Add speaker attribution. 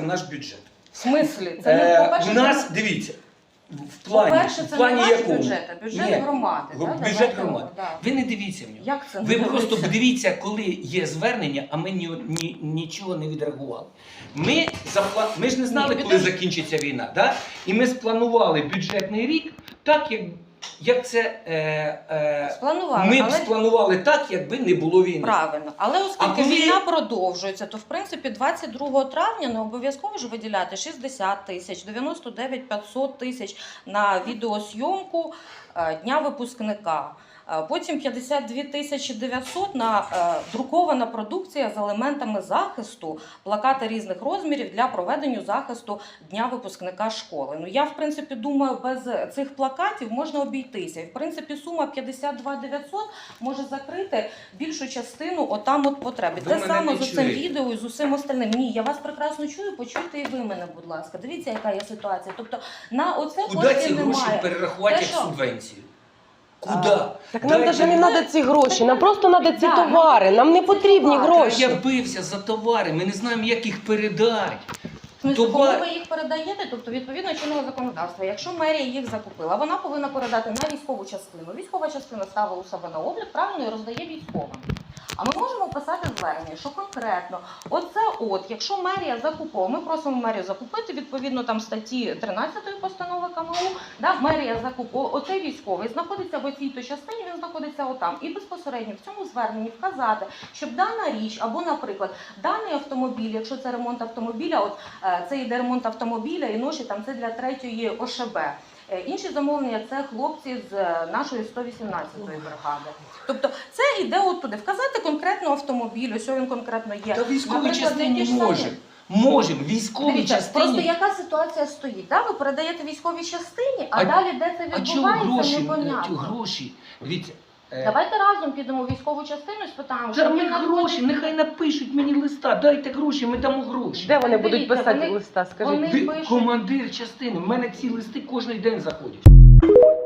Speaker 1: в наш бюджет.
Speaker 2: В смислі? Це не по-перше,
Speaker 1: у нас, дивіться, в плані
Speaker 2: якому? Бюджет громади.
Speaker 1: Бюджет громади.
Speaker 2: Да.
Speaker 1: Ви не дивіться в нього.
Speaker 2: Як це?
Speaker 1: Ви просто подивіться, коли є звернення, а ми нічого не відреагували. Ми ж не знали, коли закінчиться війна. Да? І ми спланували бюджетний рік так, як це ми б спланували так, якби не було війни.
Speaker 2: Правильно. Але оскільки війна продовжується, то в принципі 22 травня не обов'язково ж виділяти 60 тисяч, 99 500 тисяч на відеозйомку Дня випускника. Потім 52 900 на друкована продукція з елементами захисту, плакати різних розмірів для проведення захисту Дня випускника школи. Ну, я, в принципі, думаю, без цих плакатів можна обійтися. І, в принципі, сума 52 900 може закрити більшу частину отам от потреби. Те саме з цим відео і з усім остальним. Ні, я вас прекрасно чую, почуйте і ви мене, будь ласка. Дивіться, яка є ситуація. Тобто, на оце коштів немає.
Speaker 1: Куди ці гроші перерахувати як субвенцію? Куди?
Speaker 3: Так нам навіть не треба ці гроші, нам просто треба ці товари, нам не потрібні гроші.
Speaker 1: Я бився за товари, ми не знаємо, як їх передати.
Speaker 2: Коли ви їх передаєте, тобто відповідно чинного законодавства, якщо мерія їх закупила, вона повинна передати на військову частину. Військова частина ставила у себе на облік, правильно, і роздає військовим. А ми можемо писати звернення, що конкретно, якщо мерія закуповує, ми просимо мерію закупити, відповідно там статті 13 постанови КМУ, мерія закуповує, оцей військовий знаходиться в оцій-то частині, він знаходиться отам. І безпосередньо в цьому зверненні вказати, щоб дана річ, або, наприклад, даний автомобіль, якщо це ремонт автомобіля, це йде ремонт автомобіля і ноші, там це для 3-ї ОШБ. Інші замовлення – це хлопці з нашої 118-ї бригади. Тобто це йде оттуди. Вказати конкретно автомобіль, ось він конкретно є.
Speaker 1: Та військовій частині можемо. Військовій частині.
Speaker 2: Просто яка ситуація стоїть? Ви передаєте військовій частині, а далі де це відбувається, непонятно.
Speaker 1: Гроші? Дивіться.
Speaker 2: Давайте разом підемо в військову частину і спитаємо,
Speaker 1: що ми гроші, нехай напишуть мені листа, дайте гроші, ми дамо гроші.
Speaker 3: Де вони будуть писати листа, скажіть?
Speaker 1: Командир частини, в мене ці листи кожен день заходять.